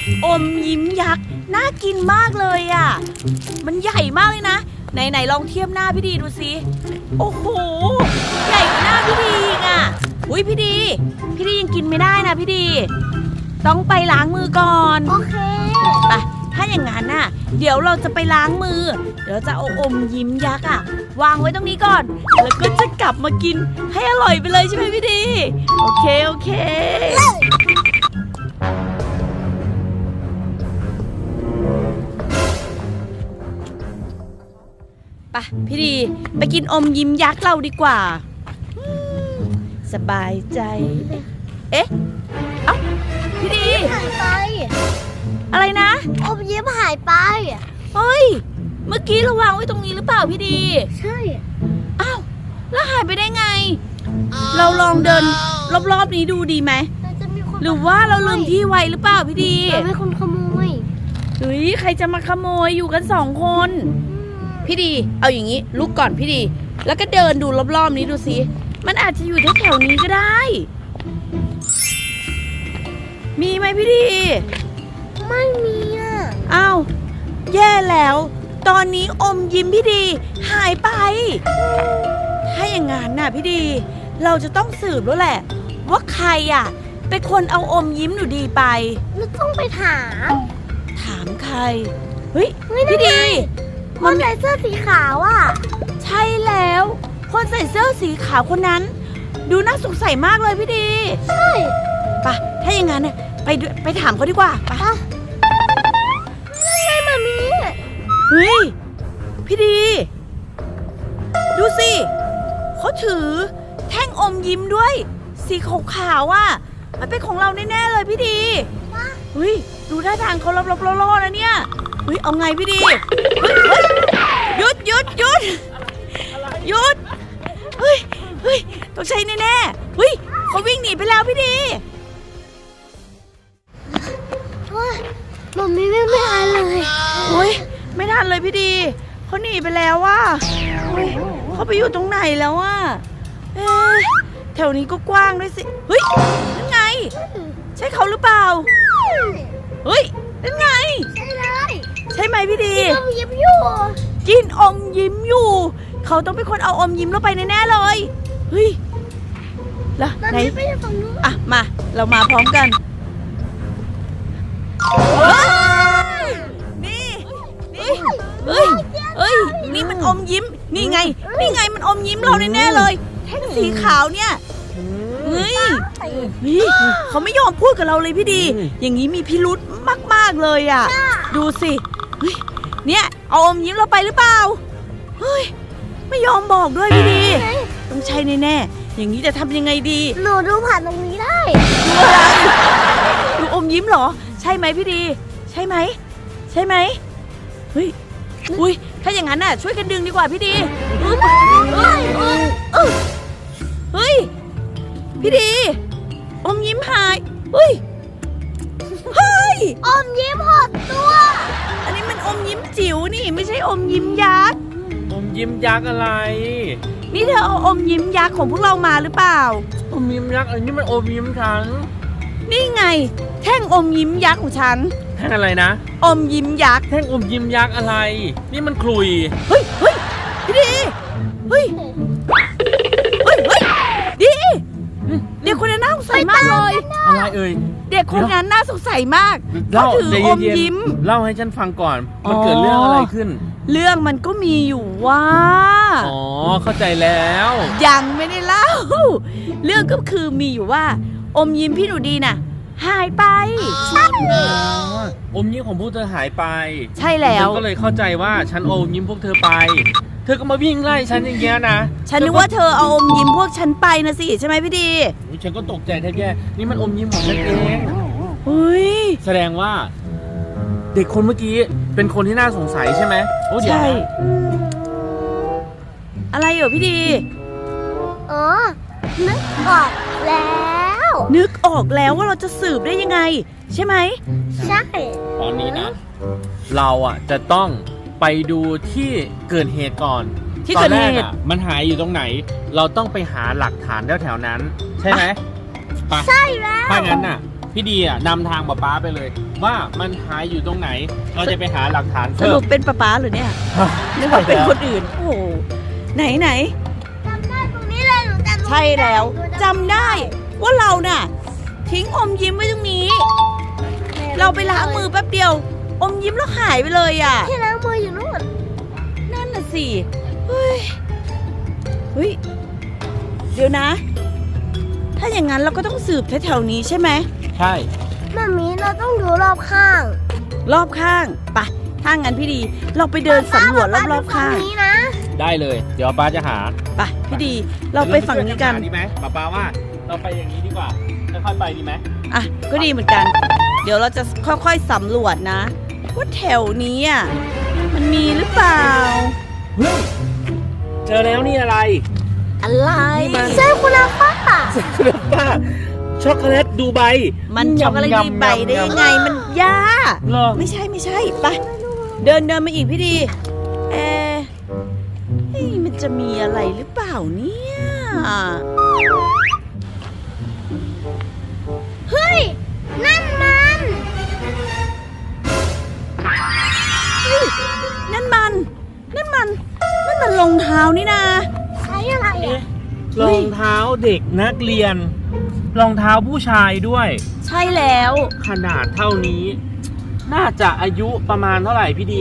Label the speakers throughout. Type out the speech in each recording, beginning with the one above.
Speaker 1: อมยิ้มยักษ์น่ากินมากเลยอ่ะมันใหญ่มากเลยนะไหนลองเทียบหน้าพี่ดีดูสิโอ้โหใหญ่กว่าหน้าพี่ดีอีกอ่ะอุ้ยพี่ดียังกินไม่ได้นะพี่ดีต้องไปล้างมือก่อน
Speaker 2: โอเค
Speaker 1: ไปถ้าอย่างนั้นน่ะเดี๋ยวเราจะไปล้างมือเดี๋ยวจะเอาอมยิ้มยักษ์อ่ะวางไว้ตรงนี้ก่อนแล้วก็จะกลับมากินให้อร่อยไปเลยใช่ไหมพี่ดีโอเคไปพี่ดีไปกินอมยิ้มยักษ์เราดีกว่าสบายใจเอ๊ะเอ้าพี่ดี
Speaker 2: หายไป
Speaker 1: อะไรนะ
Speaker 2: อมยิ้มหายไป
Speaker 1: เฮ้ยเมื่อกี้เราวางไว้ตรงนี้หรือเปล่าพี่ดี
Speaker 2: ใช่
Speaker 1: อ้าวแล้วหายไปได้ไงเราลองเดินรอบๆนี้ดูดีไหมหรือว่าเราลืมที่ไว้หรือเปล่าพี่ดี
Speaker 2: ไม่คนขโมย
Speaker 1: เฮ้ยใครจะมาขโมยอยู่กัน2 คนพี่ดีเอาอย่างนี้ลุกก่อนพี่ดีแล้วก็เดินดูรอบๆนี้ดูสิมันอาจจะอยู่แถวๆนี้ก็ได้มีไหมพี่ดี
Speaker 2: ไม่มีอ่ะ
Speaker 1: อ้าวแย่แล้วตอนนี้อมยิ้มพี่ดีหายไปถ้าอย่างงั้นน่ะพี่ดีเราจะต้องสืบแล้วแหละว่าใครอ่ะเป็นคนเอาอมยิ้มหนูดีไป
Speaker 2: เราต้องไปถ
Speaker 1: ามใครเฮ้ยพี่ดี
Speaker 2: คนใส่เสื้อสีขาวอ่ะ
Speaker 1: ใช่แล้วคนใส่เสื้อสีขาวคนนั้นดูน่าสงสัยมากเลยพี่ดี
Speaker 2: ใช่
Speaker 1: ป่ะถ้าอย่างงั้นเนี่ยไปถามเขาดีกว่าป่ะ
Speaker 2: ไม่มามี
Speaker 1: เฮ้ยพี่ดีดูสิเขาถือแท่งอมยิ้มด้วยสีขาวๆอ่ะมันเป็นของเราแน่ๆเลยพี่ดีเฮ้ยดูท่าทางเขาลับๆล่อๆนะเนี่ยเฮ้ยเอาไงพี่ดีหยุดเฮ้ยต้องใช้แน่ๆเฮ้ยเขาวิ่งหนีไปแล้วพี่ดี
Speaker 2: มันไม่ทันเลย
Speaker 1: เฮ้ยไม่ทันเลยพี่ดีเขาหนีไปแล้วว่ะเขาไปอยู่ตรงไหนแล้วว่ะแถวนี้ก็กว้างด้วยสิเฮ้ยนั่นไงใช่เขาหรือเปล่าเฮ้ยนั่นไง
Speaker 2: ใช่เลย
Speaker 1: ใช่ไหมพี่ดี
Speaker 2: กินอมยิ้มอยู่
Speaker 1: เขาต้องเป็นคนเอาอมยิ้มเราไปแน่ๆเลยเฮ้ยแล้วไหนอ่ะมาเรามาพร้อมกันนี่เฮ้ยนี่มันอมยิ้มนี่ไงมันอมยิ้มเราแน่ๆเลยแท่งสีขาวเนี่ยเฮ้ยเขาไม่ยอมพูดกับเราเลยพี่ดีอย่างนี้มีพิรุธมากๆเลยอ่ะดูสิเนี่ยเอาอมยิ้มเราไปหรือเปล่าเฮ้ยไม่ยอมบอกด้วยพี่ดีต้องใช่แน่ๆอย่างนี้จะทำยังไงดี
Speaker 2: หนูดูผ่านตรงนี้ได้
Speaker 1: ดูอะไรดูอมยิ้มเหรอใช่ไหมพี่ดีใช่ไหมเฮ้ยอุ้ยถ้าอย่างนั้นน่ะช่วยกันดึงดีกว่าพี่ดีเฮ้ยพี่ดีอมยิ้มหายเฮ้ย
Speaker 2: อมยิ้มหดตัว
Speaker 1: อันนี้มันอมยิ้มจิ๋วนี่ไม่ใช่อมยิ้มยักษ์
Speaker 3: อมยิ้มยักษ์อะไร
Speaker 1: นี่เธอเอาอมยิ้มยักษ์ของพวกเรามาหรือเปล่า
Speaker 3: อมยิ้มยักษ์อันนี้มันอมยิ้มฉัน
Speaker 1: นี่ไงแท่งอมยิ้มยักษ์ของฉัน
Speaker 3: แท่งอะไรนะ
Speaker 1: อมยิ้มยักษ์
Speaker 3: แท่งอมยิ้มยักษ์อะไรนี่มันขลุ่ย
Speaker 1: เฮ้ยพี่ดีเฮ้ยดีเด็กคนนั้นน่าสงสัยมากเลย
Speaker 3: อะไรเอ่ย
Speaker 1: เด็กคนนั้นน่าสงสัยมากเขาถืออมยิ้ม
Speaker 3: เล่าให้ฉันฟังก่อนมันเกิดเรื่องอะไรขึ้น
Speaker 1: เรื่องมันก็มีอยู่ว่า
Speaker 3: อ๋อเข้าใจแล้ว
Speaker 1: ยังไม่ได้เล่าเรื่องก็คือมีอยู่ว่าอมยิ้มพี่หนูดีน่ะหายไป
Speaker 3: อมยิ้มของพวกเธอหายไป
Speaker 1: ใช่แล้ว
Speaker 3: ฉันก็เลยเข้าใจว่าฉันอมยิ้มพวกเธอไปเธอก็มาวิ่งไล่ฉันอย่างเงี้ยนะ
Speaker 1: ฉันนึกว่าเธอเอาอมยิ้มพวกฉันไปนะสิใช่ไหมพี่ดี
Speaker 3: ฉันก็ตกใจแทบแย่นี่มันอมยิ้มของฉันเอง
Speaker 1: เฮ้ย
Speaker 3: แสดงว่าเด็กคนเมื่อกี้เป็นคนที่น่าสงสัยใช่ไหมโอ้ใช่
Speaker 1: อะไรเหรอพี่ดี
Speaker 2: นึกออก
Speaker 1: แล้วว่าเราจะสืบได้ยังไงใช่ไหม
Speaker 2: ใช่
Speaker 3: ตอนนี้นะเราจะต้องไปดูที่เกิดเหตุก่อน
Speaker 1: ที่เกิดเหตุ
Speaker 3: มันหายอยู่ตรงไหนเราต้องไปหาหลักฐานแถวๆนั้นใช่ไหม
Speaker 2: ใช่แล้ว
Speaker 3: ถ้างั้นน่ะพี่ดีอ่ะนำทางป๊าไปเลย ว่ามันหายอยู่ตรงไหน เราจะไปหาหลักฐาน
Speaker 1: ส
Speaker 3: เพิ่
Speaker 1: รุ
Speaker 3: ม
Speaker 1: ปเป็นป๊าหรือเนี่ยนึกว่าเป็นคนอื่น โอ้โหไหน
Speaker 2: จำได้ตรงนี้เลยหนูจำ
Speaker 1: ใช่แล้วจำได้ว่าเราน่ะ ทิ้งอมยิ้มไว้ตรงนี้ เราไปล้างมือแป๊บเดียว อมยิ้มแล้วหายไปเลยอ่ะ
Speaker 2: ที่ล้างมืออยู่นู่น
Speaker 1: นั่นน่ะสิ เฮ้ย เดี๋ยวนะ ถ้าอย่างนั้นเราก็ต้องสืบแถวๆนี้ใช่ไหม
Speaker 3: ใช่
Speaker 2: มามีเราต้องดูรอบข้าง
Speaker 1: รอบข้างไปะถ้างั้นพี่ดี เราไปเดินสำรวจรอบๆข้าง
Speaker 2: ป้ดูฝั่นี้นะ
Speaker 3: ได้เลย เดี๋ยวป๊าจะหา
Speaker 1: ไปพี่ดี เราไปฝั่งนี้กัน
Speaker 3: ดีไหมป๊าว่าเราไปอย่างนี้ดีกว่าค่อยๆไปดีไหม
Speaker 1: อ่ะ ก็ดีเหมือนกัน เดี๋ยวเราจะค่อยๆสำรวจนะ ว่าแถวนี้อ่ะ มันมีหรือเปล่า
Speaker 3: เฮ้ยเจอแล้วนี่อะไร
Speaker 1: อะไร
Speaker 3: นี่มัน
Speaker 2: ใช่คุณอาป้า
Speaker 3: ครับป้าช็อกโกแลตดูไบ
Speaker 1: มันช็อกโกแลตดีใบได้ยังไง มันยา
Speaker 3: เหรอ
Speaker 1: ไม่ใช่ไป เดินมาอีกพี่ดี เอะเฮ้ยมันจะมีอะไรหรือเปล่าเนี่ย
Speaker 2: เฮ้ย นั่นมัน
Speaker 1: นั่นมันรองเท้านี่นะ
Speaker 2: ใช้อะไรอ่ะ
Speaker 3: รองเท้าเด็กนักเรียน รองเท้าผู้ชายด้วย
Speaker 1: ใช่แล้ว
Speaker 3: ขนาดเท่านี้ น่าจะอายุประมาณเท่าไหร่พี่ดี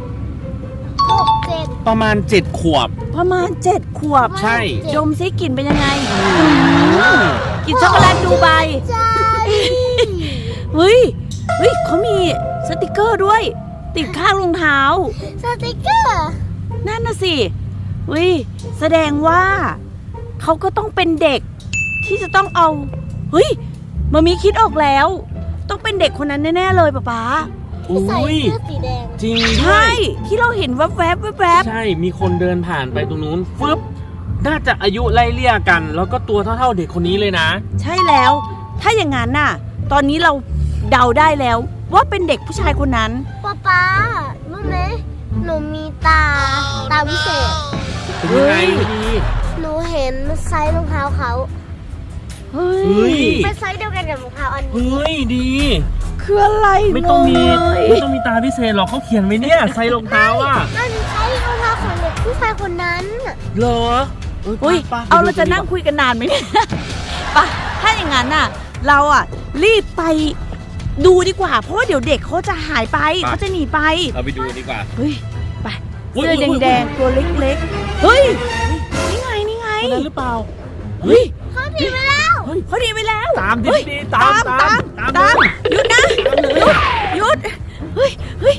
Speaker 2: 6 7
Speaker 3: ประมาณ7 ขวบ
Speaker 1: ประมาณ7 ขวบ
Speaker 3: ใช่
Speaker 1: ดมซิกลิ่นเป็นยังไงกลินช็อกโกแลตดูไบ
Speaker 2: ใช่
Speaker 1: เฮ้ยเขามีสติกเกอร์ด้วย ติดข้างรองเท้า
Speaker 2: สติกเกอร์
Speaker 1: นั่นน่ะสิเฮ้ยแสดงว่า เขาก็ต้องเป็นเด็ก ที่จะต้องเอาเฮ้ยมามีคิดออกแล้ว ต้องเป็นเด็กคนนั้นแน่ๆเลยป๊า
Speaker 2: ที่ใส่
Speaker 3: อุ้ย
Speaker 2: เสื้อสีแดง
Speaker 3: จริง
Speaker 1: ใช่ ที่เราเห็นแวบ
Speaker 3: ใช่มีคนเดินผ่านไปตรงนู้นฟึบน่าจะอายุไล่เลี่ยกัน แล้วก็ตัวเท่าๆเด็กคนนี้เลยนะ
Speaker 1: ใช่แล้ว ถ้าอย่างนั้นน่ะ ตอนนี้เราเดาได้แล้ว ว่าเป็นเด็กผู้ชายคนนั้น
Speaker 2: ป๊ารู้ไหมหนูมีตาวิเศษ
Speaker 3: เป็นยังไง
Speaker 1: เฮ้ย
Speaker 3: พี่ดี
Speaker 2: หนูเห็นไซส์รองเท้าเขา
Speaker 1: เฮ้
Speaker 3: เฮ้ย
Speaker 2: เป็นไซส์เดียวกันกับรองเท้าอันนี้
Speaker 3: เฮ้ยดี
Speaker 1: คืออะไร
Speaker 3: ไม่ต้องมี
Speaker 1: งเลย
Speaker 3: ไม่ต้องมีตาพิเศษหรอกเขาเขียนไว้เนี่ยใส่รองเท้าอ่ะ
Speaker 2: มันไซส์รองเท้าของเด็กผู้ชายคนนั้นน่ะ
Speaker 3: เหรอ
Speaker 1: อุ้ย
Speaker 3: ไป
Speaker 1: เอาเราจะนั่งคุยกันนานไหมเนี่ย ไปถ้าอย่างนั้นน่ะ เราอ่ะ รีบไปดูดีกว่า เพราะว่าเดี๋ยวเด็กเขาจะหายไปเขาจะหนีไป
Speaker 3: เราไปดูดีกว่า
Speaker 1: เฮ้ย ไป
Speaker 3: อุ๊ย
Speaker 1: เสื้อ
Speaker 3: อุ๊ย
Speaker 1: แดงๆ ตัวเล็กๆ เฮ้ย นี่ไง
Speaker 3: คนนั้นหรือเปล่า
Speaker 1: เฮ้ย
Speaker 2: เขาถีบไปแล้ว
Speaker 1: เขาหนีไปแล้ว
Speaker 3: ตามดิ
Speaker 1: เฮ้ย
Speaker 3: ดีๆตาม
Speaker 1: ตามหยุดนะ หยุด เฮ้ย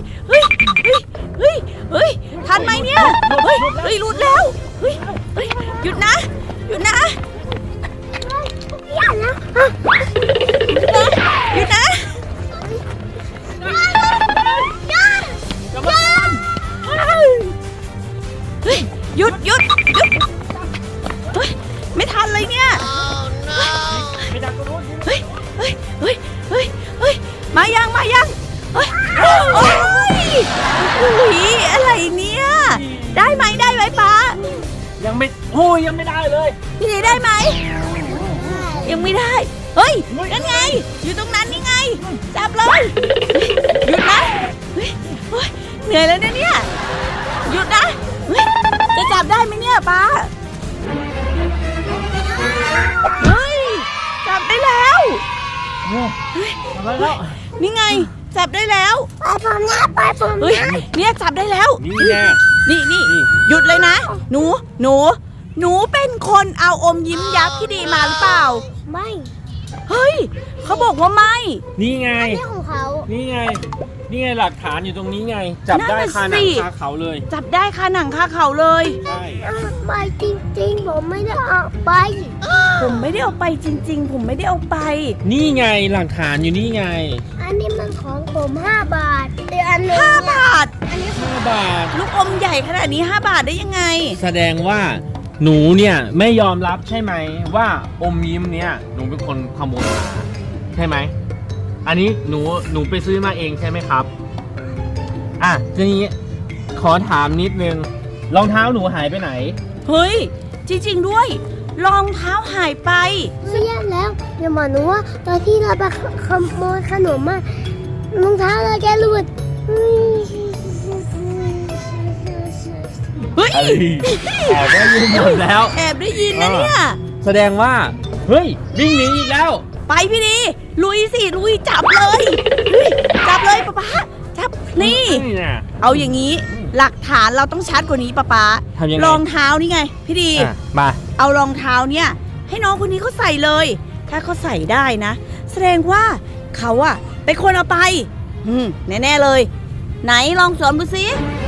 Speaker 1: ทันไหมเนี่ย เฮ้ยหลุดแล้ว เฮ้ย หยุดนะ
Speaker 2: อย่านะ
Speaker 1: หยุดนะ เฮ้ย หยุด เฮ้ย ไม่ทันเลยเนี่ย
Speaker 3: ไม่ดังตรงนู้น
Speaker 1: เฮ้ย มายังเฮ้ย โอ้ยอุ๊ยอะไรเนี่ย ได้ไหมป้า
Speaker 3: ยังไม่ได้เลย
Speaker 1: พี่ได้ไหม ยังไม่ได้ เฮ้ย นั่นไง อยู่ตรงนั้นนี่ไง จับเลย หยุดนะเฮ้ยเหนื่อยแล้วเนี่ย หยุดนะ เฮ้ย จะจับได้ไหมเนี่ยป้า เฮ้ย จับได้แล้ว
Speaker 3: อะไรแล้ว
Speaker 1: นี่ไง จับได้แล้ว
Speaker 2: ไปผมนะไปผม
Speaker 1: เฮ้ย
Speaker 2: นะ
Speaker 1: เนี่ยจับได้แล้ว
Speaker 3: นี่แน่
Speaker 1: นี่ หยุดเลยนะ หนูเป็นคนเอาอมยิ้มยักษ์ที่ดีมาหรือเปล่า
Speaker 2: ไม่
Speaker 1: เฮ้ย เขาบอกว่าไม่
Speaker 3: นี่ไง
Speaker 2: นี่ของเขา
Speaker 3: นี่ไงหลักฐานอยู่ตรงนี้ไง จับได้
Speaker 1: นั่นน่ะ
Speaker 3: คาหนั
Speaker 1: สิ
Speaker 3: งคาเขาเลย
Speaker 1: จับได้คาหนังคาเขาเลย
Speaker 3: ใช่
Speaker 2: ไปจริงๆผมไม่ได้เอาไป
Speaker 1: ผมไม่ได้เอาไปจริง ๆ ผมไม่ได้เอาไป
Speaker 3: นี่ไงหลักฐานอยู่นี่ไง
Speaker 2: อันนี้มันของผม5 บาทอีกอันหนึง
Speaker 1: 5 บาท
Speaker 2: อันนี้
Speaker 3: 5 บาท
Speaker 1: ลูกอมใหญ่ขนาดนี้ 5 บาทได้ยังไง
Speaker 3: แสดงว่าหนูเนี่ยไม่ยอมรับใช่ไหมว่าอมยิ้มเนี่ยหนูเป็นคนขโมยมาใช่ไหมอันนี้หนูไปซื้อมาเองใช่ไหมครับอ่ะทีนี้ขอถามนิดนึงรองเท้าหนูหายไปไหน
Speaker 1: เฮ้ย จริง ๆ ด้วยรองเท้าหายไป
Speaker 2: ไม่แย่แล้วเดี๋ยวหมอหนูว่าตอนที่เราไปขโมยขนมมารองเท้าเราแกหลุด
Speaker 1: เฮ้ย
Speaker 3: แอบได้ยินหมดแล้ว
Speaker 1: แอบได้ยินนะเนี่ย
Speaker 3: แสดงว่าเฮ้ยวิ่งหนีอีกแล้ว
Speaker 1: ไปพี่ดีลุยสิลุยจับเลยเฮ้ยจับเลยป๊าป๊าจับนี่
Speaker 3: เนี่ย
Speaker 1: เอาอย่างนี้หลักฐานเราต้องชัดกว่านี้ป๊าป๊า
Speaker 3: ทำยังไง
Speaker 1: รองเท้านี่ไงพี่ดี
Speaker 3: มา
Speaker 1: เอารองเท้าเนี่ยให้น้องคนนี้เขาใส่เลย ถ้าเขาใส่ได้นะ แสดงว่าเขาอะเป็นคนเอาไปแน่ๆเลย ไหนลองสวมดูสิ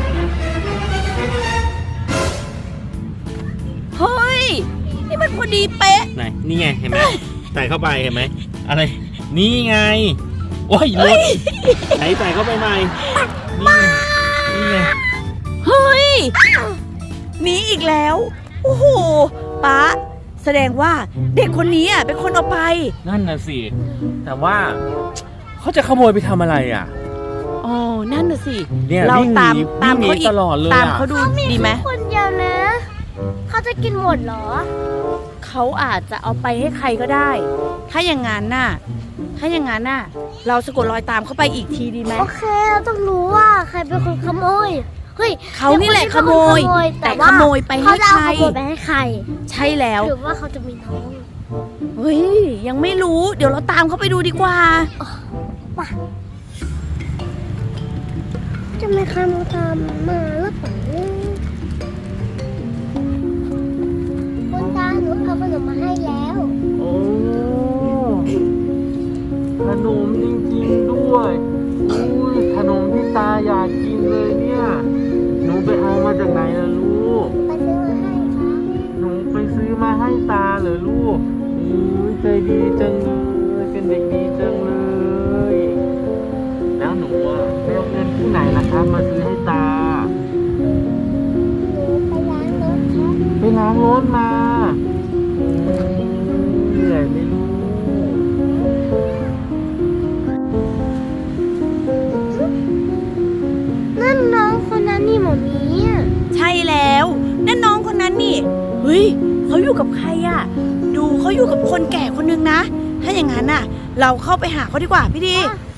Speaker 1: เฮ้ยนี่มันพอดีเป๊ะ
Speaker 3: ไหนนี่ไงเห็นไหมใส่เข้าไปเห็นไหมอะไรนี่ไงโอ้ยหลุดไหนใส่เข้าไปใหม่นี่ไง
Speaker 1: เฮ้ยหนีอีกแล้วโอ้โหป๊าแสดงว่าเด็กคนนี้อ่ะเป็นคนเอาไป
Speaker 3: นั่นน่ะสิแต่ว่าเขาจะขโมยไปทำอะไรอ่ะ
Speaker 1: อ๋อนั่นน่ะสิ
Speaker 3: เนี่ย
Speaker 1: เรา
Speaker 3: วิ่งหนี
Speaker 1: ตาม
Speaker 3: วิ่งหนี
Speaker 1: เขาอีก
Speaker 3: ตลอดเลย
Speaker 1: ตาม
Speaker 3: อ่ะ
Speaker 1: เขาดูดีไหม
Speaker 2: คนเดียวนะ เขาจะกินหมดเหรอ
Speaker 1: เขาอาจจะเอาไปให้ใครก็ได้ ถ้าอย่างนั้นน่ะเราสะกดรอยตามเขาไปอีกทีดีไหม
Speaker 2: โอเคเราต้องรู้ว่าใครเป็นคนขโมยเฮ้ย
Speaker 1: เขานี่แหละขโมย แต่ขโมยไปให้
Speaker 2: เขาจะ
Speaker 1: ใค
Speaker 2: เอา
Speaker 1: ร
Speaker 2: ขโมยไปให้ใคร
Speaker 1: ใช่แล้ว
Speaker 2: หรือว่าเขาจะมีน้อง
Speaker 1: เฮ้ยยังไม่รู้เดี๋ยวเราตามเขาไปดูดีกว่า
Speaker 2: จะไม่ใครมาตามมาหรือเปล่าคุณตาหนูเอาขนมมาให้แล้ว
Speaker 3: โอ้ขนมจริงๆด้วยอุ้ยขนมที่ตาอยากกินเลยเนี่ยหนูไปเอามาจากไหนล่ะลูก
Speaker 2: ไปซื้อมาให้ครับ
Speaker 3: หนูไปซื้อมาให้ตาเหรอลูกอุ้ยใจดีจังเลยเป็นเด็กดีจังเลยแล้วหนูอะไปเอาเงินที่ไหนล่ะครับมาซื้อให้ตา
Speaker 2: หนูไปล้างรถครับ
Speaker 3: ไปล้างรถมาเหนื่อยไหมลูก
Speaker 2: นั่นน้องคนนั้นนี่หมอมีอ่ะ
Speaker 1: ใช่แล้วนั่นน้องคนนั้นนี่เฮ้ยเขาอยู่กับใครอะดูเขาอยู่กับคนแก่คนนึงนะ ถ้าอย่างนั้นน่ะ เราเข้าไปหาเขาดีกว่าพี่ดี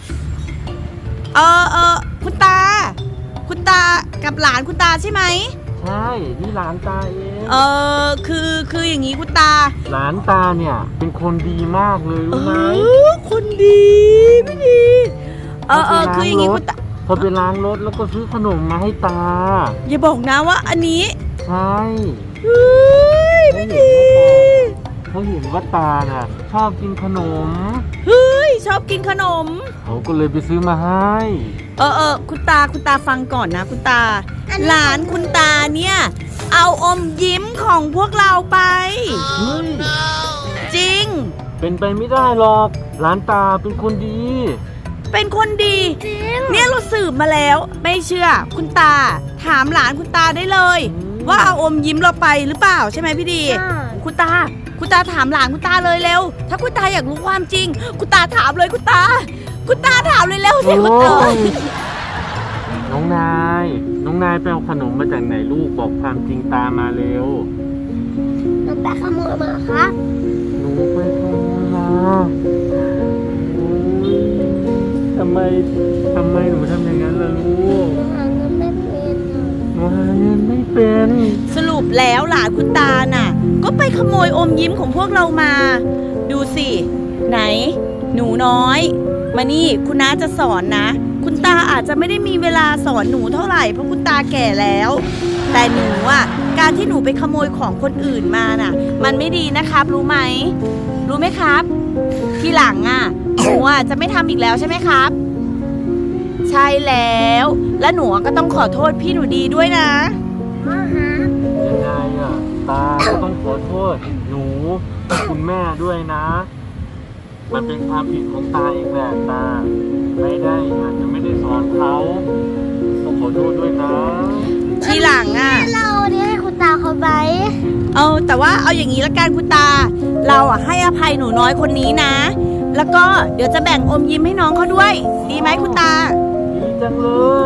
Speaker 1: คุณตากับหลานคุณตาใช่ไหม
Speaker 3: ใช่นี่หลานตาเอง
Speaker 1: คืออย่างนี้คุณตา
Speaker 3: หลานตาเนี่ยเป็นคนดีมากเลยรู้ไหม
Speaker 1: คนดีพี่ดีคืออย่างนี้คุณตา
Speaker 3: เขาไปล้างรถแล้วก็ซื้อขนมมาให้ตา
Speaker 1: อย่าบอกนะว่าอันนี้
Speaker 3: ใช่
Speaker 1: เฮ้ยพี่ดี
Speaker 3: เขาเห็นว่าตาน่ะชอบกินขนม
Speaker 1: เฮ้ยชอบกินขนม
Speaker 3: เขาก็เลยไปซื้อมาให้
Speaker 1: คุณตาฟังก่อนนะคุณตา หลานคุณตาเนี่ย เอาอมยิ้มของพวกเราไป
Speaker 3: เฮ้ย
Speaker 1: จริง
Speaker 3: เป็นไปไม่ได้หรอกหลานตาเป็นคนดี
Speaker 1: เป็นคนดี
Speaker 2: จริง
Speaker 1: เนี่ยเราสืบมาแล้ว ไม่เชื่อ คุณตา ถามหลานคุณตาได้เลย ว่าเอาอมยิ้มเราไปหรือเปล่าใช่ไหมพี่ดี คุณตาถามหลานคุณตาเลยเร็ว ถ้าคุณตาอยากรู้ความจริง คุณตาถามเลยคุณตาถามเลยเร็วสิคุณตา
Speaker 3: โอ้ยน้องนายไปเอาขนมมาจากไหนลูกบอกความจริงตามาเร็ว
Speaker 2: หนูไปขโมยมาครับ
Speaker 3: หนูไปขโมยมาโอ้ยทำไมหนูทำอย่างนั้นล่ะลูก
Speaker 2: หนูหาเงินไม่เป็นอะ
Speaker 3: หนูหาเงินไม่เป็น
Speaker 1: สรุปแล้วหลานคุณตาน่ะ ก็ไปขโมยอมยิ้มของพวกเรามา ดูสิ ไหน หนูน้อย มานี่คุณน้าจะสอนนะ คุณตาอาจจะไม่ได้มีเวลาสอนหนูเท่าไหร่เพราะคุณตาแก่แล้ว แต่หนูอ่ะการที่หนูไปขโมยของคนอื่นมาน่ะ มันไม่ดีนะครับ รู้ไหมครับ ทีหลังอ่ะหนูอ่ะจะไม่ทำอีกแล้วใช่ไหมครับ ใช่แล้ว และหนูก็ต้องขอโทษพี่หนูดีด้วยนะ
Speaker 2: พ่อฮะ
Speaker 3: ยังไงอ่ะตาก็ต้องขอโทษหนูกับคุณแม่ด้วยนะ มันเป็นความผิดของตาเองแหละตาอาจจะไม่ได้สอนเขาต้องขอโทษด้วยนะ
Speaker 1: ทีหลังอ่ะ
Speaker 2: เราเนี่ยให้คุณตาเขาไป
Speaker 1: แต่ว่าเอาอย่างนี้ละกันคุณตา เราอ่ะให้อภัยหนูน้อยคนนี้นะ แล้วก็เดี๋ยวจะแบ่งอมยิ้มให้น้องเขาด้วย ดีไหมคุณตา
Speaker 3: ดีจังเลย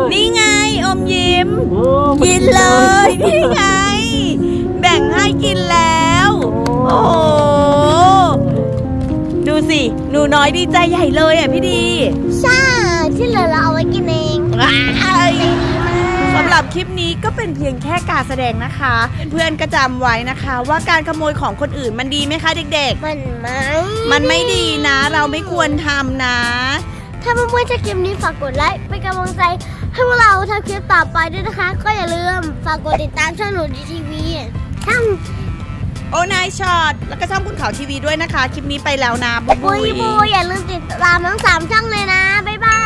Speaker 1: นี่ไงอมยิ้ม
Speaker 3: โอ้
Speaker 1: กินเลยนี่ไง แบ่งให้กินแล้ว โอ้หนูน้อยดีใจใหญ่เลยอ่ะพี่ดี
Speaker 2: ใช่ที่เหลือเราเอาไว้กินเอง
Speaker 1: ว้าย
Speaker 2: ดีมาก
Speaker 1: สำหรับคลิปนี้ก็เป็นเพียงแค่การแสดงนะคะ เพื่อนๆก็จำไว้นะคะ ว่าการขโมยของคนอื่นมันดีไหมคะเด็ก
Speaker 2: มันไม่
Speaker 1: ๆ มันไม่ดีนะ เราไม่ควรทำนะ
Speaker 2: ถ้าเพื่อนๆชอบคลิปนี้ฝากกดไลค์เป็นกำลังใจให้พวกเราทำคลิปต่อไปด้วยนะคะ ก็อย่าลืมฝากกดติดตามช่องหนูดีทีวีช่อง
Speaker 1: โอนายช็อตแล้วก็ช่องคุณเขาทีวีด้วยนะคะ คลิปนี้ไปแล้วนะ บ๊าย
Speaker 2: บุ
Speaker 1: บาย
Speaker 2: ยบุยอย่าลืมติดตามทั้ง3ช่องเลยนะ บ๊ายบาย